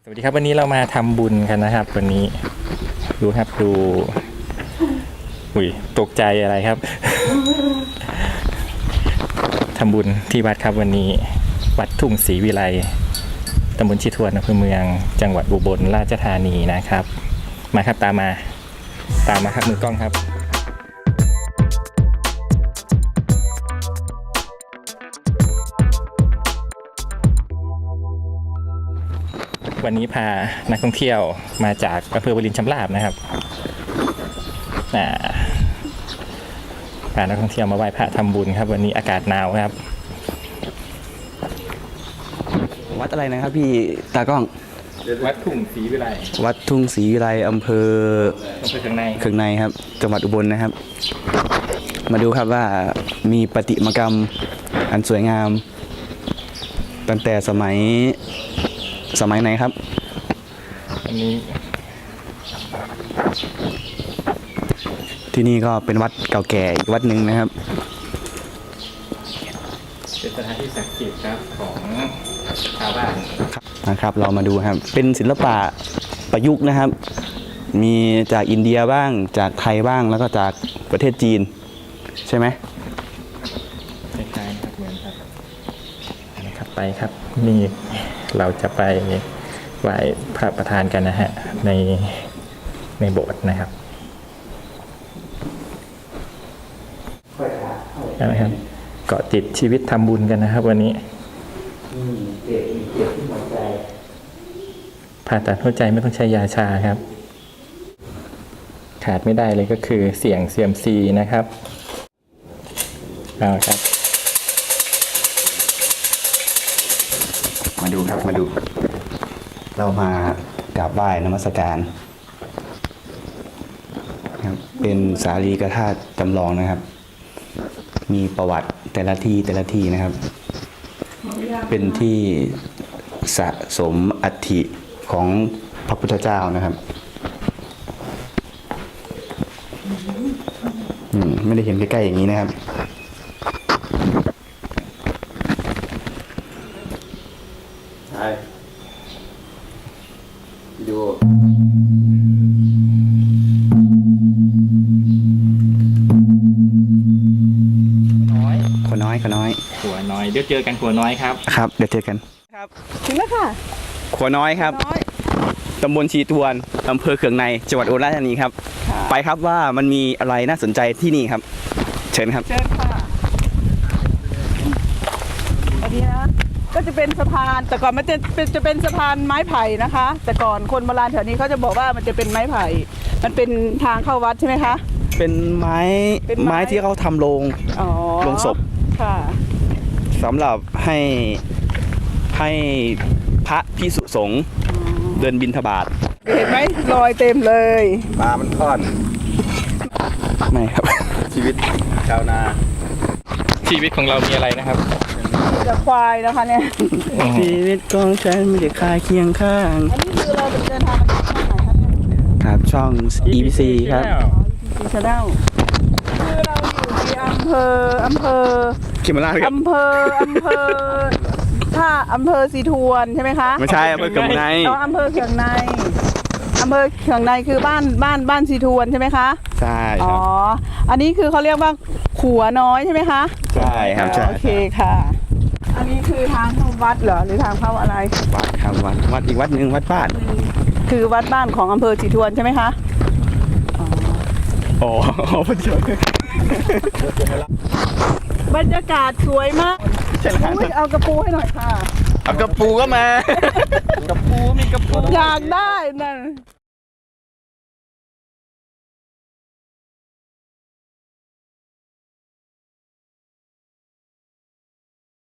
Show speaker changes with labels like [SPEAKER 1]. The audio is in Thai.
[SPEAKER 1] สวัสดีครับวันนี้เรามาทำบุญกันนะครับวันนี้ดูครับดูตกใจอะไรครับ ทำบุญที่วัดครับวันนี้วัดทุ่งศรีวิไลตำบลชิทวนอำเภอเมืองจังหวัดอุบลราชธานีนะครับมาครับตามมาครับมือกล้องครับวันนี้พานักท่องเที่ยวมาจากอำเภอวารินชำราบนะครับพานักท่องเที่ยวมาไหว้พระทำบุญครับวันนี้อากาศหนาวครับ
[SPEAKER 2] วัดอะไรนะครับพี่ตากล้อง
[SPEAKER 1] วัดทุ่งศรีวิไล
[SPEAKER 2] วัดทุ่งศรีวิไลอำเภอ
[SPEAKER 1] เคือง
[SPEAKER 2] ในครับจังหวัดอุบลนะครับ มาดูครับว่ามีประติมากรรมอันสวยงามตั้งแต่สมัยไหนครับ
[SPEAKER 1] อันนี้
[SPEAKER 2] ที่นี่ก็เป็นวัดเก่าแก่อีกวัดหนึ่งนะครับ
[SPEAKER 1] เป็นสถานที่ศักดิ์สิทธิ์ครับของชาวบ้าน
[SPEAKER 2] นะครับเรามาดูครับเป็นศิลปะประยุกต์นะครับมีจากอินเดียบ้างจากไทยบ้างแล้วก็จากประเทศจีนใช่ไหม
[SPEAKER 1] คล้ายๆครับเหมือนครับนะครับไปครับนี่เราจะไปไหว้พระประธานกันนะฮะในโบสถ์นะครับนะครับเกาะติดชีวิตทำบุญกันนะครับวันนี้ผ่าตัดหัวใจไม่ต้องใช้ยาชาครับขาดไม่ได้เลยก็คือเสี่ยงเซียมซีนะครับเอาครับ
[SPEAKER 2] มาดูครับมาดูเรามากราบไหว้นมัสการครับเป็นสารีริกธาตุจำลองนะครับมีประวัติแต่ละที่นะครับเป็นที่สะสมอัฐิของพระพุทธเจ้านะครับไม่ได้เห็นใกล้ๆอย่างนี้นะครับดูขัวน้อย
[SPEAKER 1] เดี๋ยวเจอกันขัวน้อยครับ
[SPEAKER 2] ครับเดี๋ยวเจอกันครับ
[SPEAKER 3] ถึงแล้วค่ะ
[SPEAKER 2] ขัวน้อยครับตำบลชีทวนอำเภอเคืองในจังหวัดอุบลราชธานีครับไปครับว่ามันมีอะไรน่าสนใจที่นี่ครับเชิญครับ
[SPEAKER 3] เชิญค่ะอันนี้นะก็จะเป็นสะพานแต่ก่อนมันจะเป็นสะพานไม้ไผ่นะคะแต่ก่อนคนโบราณแถวนี้เขาจะบอกว่ามันจะเป็นไม้ไผ่มันเป็นทางเข้าวัดใช่ไหมคะ
[SPEAKER 2] เป็นไม้ที่เขาทำโรงศพ
[SPEAKER 3] ค่ะ
[SPEAKER 2] สำหรับให้พระภิกษุสงฆ์เดินบิณฑบาต
[SPEAKER 3] เห็นไหมรอยเต็มเลย
[SPEAKER 2] ปลามันทอดไม่ครับชีวิตชาวนา
[SPEAKER 1] ชีวิตของเรามีอะไรนะครับ
[SPEAKER 3] จะควายนะคะเนี่ย
[SPEAKER 2] ชีวิตของฉันไม่ได้คาเคียงข้าง
[SPEAKER 3] อันนี้คือเราเดินทางมาจากช่องไหนครับ
[SPEAKER 2] ครับช่อง EBC ครับ
[SPEAKER 3] EBC Channel คือเราอยู่ที่อำเภอ
[SPEAKER 2] เขมราชครับ
[SPEAKER 3] อำเภอสีทวนใช่ไหมคะ
[SPEAKER 2] ไม่ใช่อำเภอเคืองใน
[SPEAKER 3] อำเภอเคืองในคือบ้านสีทวนใช่ไหมคะ
[SPEAKER 2] ใช่ครับ
[SPEAKER 3] อ๋ออันนี้คือเขาเรียกว่าขัวน้อยใช่ไหมคะ
[SPEAKER 2] ใช่ครับใช่
[SPEAKER 3] โอเคค่ะอันนี้คือทางเข้าวัดเหรอหรือทางเข้าอะไร
[SPEAKER 2] วัดครับวัดอีกวัดหนึ่งวัดบ้าน
[SPEAKER 3] คือวัดบ้านของอำเภอสีทวนใช่ไหมคะ
[SPEAKER 2] อ๋อพอดี
[SPEAKER 3] บรรยากาศสวยมากเอากระปูให้หน่อยค่ะ
[SPEAKER 2] เอากระปูก็มากระปูมีกระปู
[SPEAKER 3] อยากได้นั่น